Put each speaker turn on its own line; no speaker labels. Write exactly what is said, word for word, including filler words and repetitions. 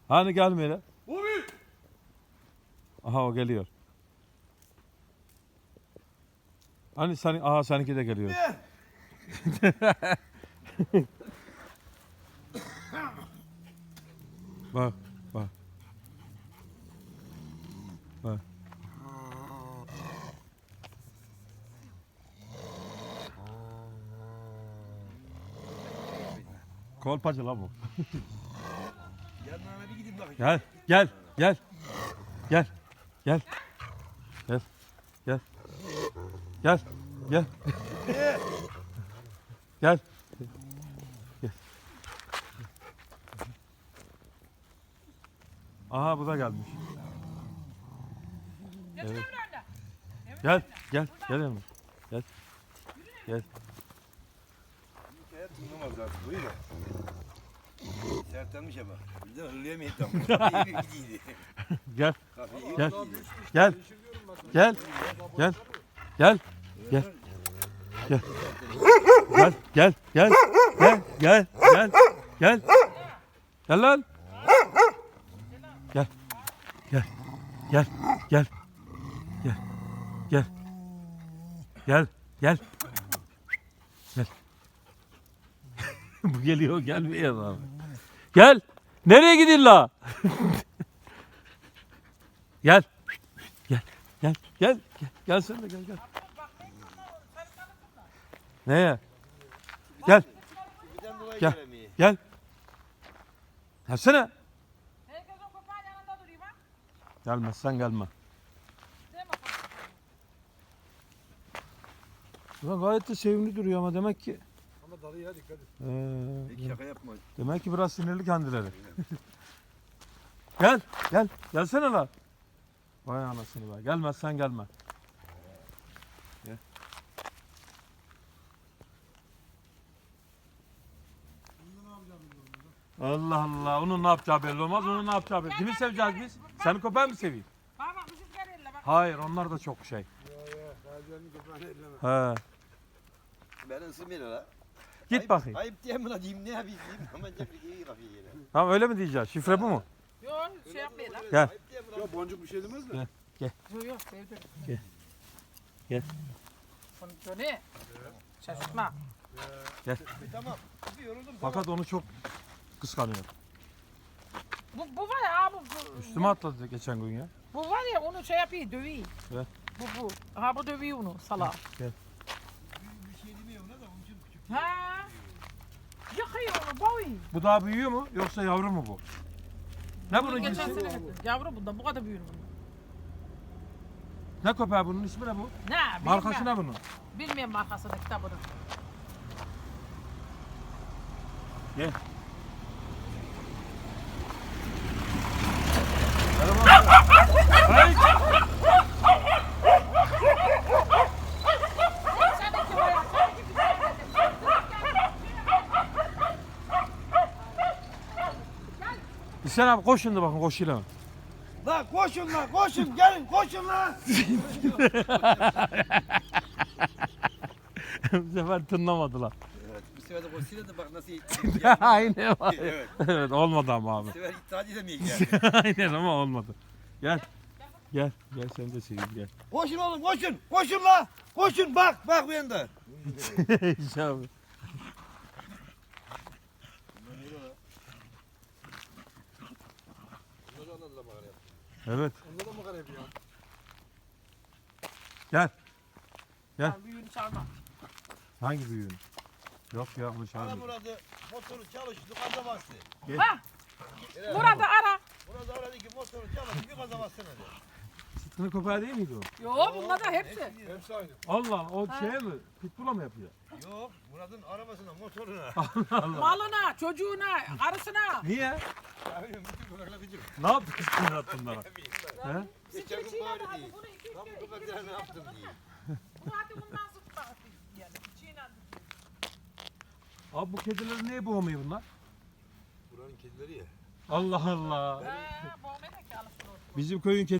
Hani gelmiyor.
Bobby!
Aha o geliyor. Hani sen, aha seninki de geliyor.
Ne?
Bak, bak. Bak. Kolpacı la bu.
Yanlarına bir gidip bakayım.
Gel, gel, gel. Gel. Gel. Gel. Gel. Gel. Gel.
Ne?
Gel. Gel. Aha bu da gelmiş. Evet. Gel, gel, gel hemen. Gel. Gel.
Hikaye tınlamaz zaten. Buyur da. Sertlenmiş ama. Bir de hırlayamayız tam. İyi bir gidiydi.
Gel.
Kafayı
Gel.
gidiydi.
Gel. Gel. Gel. Gel. Gel. Gel. Gel. Gel. Gel. Gel. Gel. Gel. Gel. Gel lan. Gel. Gel. Gel. Gel. Gel. Gel. Gel. Gel. Gel. Bu geliyor gelmiyor abi. Gel. Nereye gidin la? Gel. Gel. Gel. Gel. Gel. Gel sen de gel gel. Neye? Gel.
Birden dolayı
Gel.
gelemiyor.
Gel. Gelsene.
Herkes o köpeğin yanında duruyor bak.
Gelmezsen gelme.
Değil mi?
Ulan gayet de sevimli duruyor ama demek ki.
Ama dalıya dikkat et.
Ee,
Peki şaka yapma.
demek ki biraz sinirli kendileri. Gel. Gel. Gelsene la. Vay anasını be. Gelmezsen gelme. Gel. Allah Allah. Onun ne yapacağı belli olmaz. Onun ne yapacağı belli. Kimi seveceğiz biz? Seni köpeği mi seveyim?
Bak bak bizimkiler elle bak.
Hayır. Onlar da çok şey.
Ya ya. Gaziyan'ın köpeğini elleme.
He.
Ben ısınmıyor la.
Git
Ayıp-
bakayım.
Ayıp diye mi la diyeyim ne yapayım diyeyim. Ama cep iyi kafayı yere.
Tamam öyle mi diyeceğiz? Şifre bu mu?
Yok şey yapmayın lan.
Gel.
Ayıp diye mi la? Ya boncuk bir şey demez de.
Yok yok sevdim.
Gel. Gel.
Bunu Johnny. Şaşırtma.
Bir tamam. Bir yoruldum. tamam.
Fakat onu çok kıskanıyor.
Bu, bu var ya bu, bu,
Üstüme atladı geçen gün ya.
bu var ya onu şey yapıyor dövüyor.
Ver.
Bu bu. Ha bu dövüyor onu salak.
Bir şey demiyor ona da onun için küçük.
Ha. Yıkıyor onu boy.
Bu daha büyüyor mu yoksa yavru mu bu? Ne bunun
Geçen
cinsi?
sene getirdim. Yavru bundan bu kadar büyür bundan.
Ne köpeği bunun ismi ne bu?
Ne?
Markası
bilmiyorum.
ne bunun?
Bilmiyorum markasını kitabını.
Gel. Ay!
Seninki var ya, seninki güzel dedim.
İhsan abi koş şimdi bakın koşuyla.
La koşun la koşun gelin koşun la.
Bu sefer tınlamadılar.
Evet bu sefer de koşuyla da bak nasıl
Aynen.
Evet.
Evet olmadı ama abi.
Bu sefer iddia edemeyik yani.
Aynen ama olmadı. Gel. Gel. Gel sen de seveyim gel.
Koşun oğlum koşun. Koşun la. Koşun bak bak bu yanda.
İhsan abi. Evet.
Onda da mı garip ya?
Gel. Gel.
Tamam, büyüğünü çalma.
Hangi büyüğün? Yok ya bu
Ara
çağırmıyor.
Murat'ı motoru çalıştı gaza bastı.
Ha. Murat'ı ara.
Murat aradı ki motoru çalıştı bir gaza bastı dedi.
Sıtkı'nın köpeği değil miydi o?
Yo bunlar da hepsi.
Hepsi aynı.
Allah o şey mi? Pitbull'a mı yapıyor?
Yok Murat'ın arabasına motoruna.
Malına, çocuğuna, karısına.
Niye?
Ya bütün kulakla gıcık.
Ne yaptı Sıtkı'nın bunlara? He?
Geçen gün
Çiğnedi
bari
hadi
değil.
bunu iki
Tam
iki
bu
iki
kadar ne yaptım diye.
Bu hadi bundan zıpla. Yani çiğnendi.
Abi bu kedileri niye boğmuyor bunlar?
Buranın kedileri ya.
Allah Allah.
Ha, bu ne de ki alıp
Bizim köyün kedi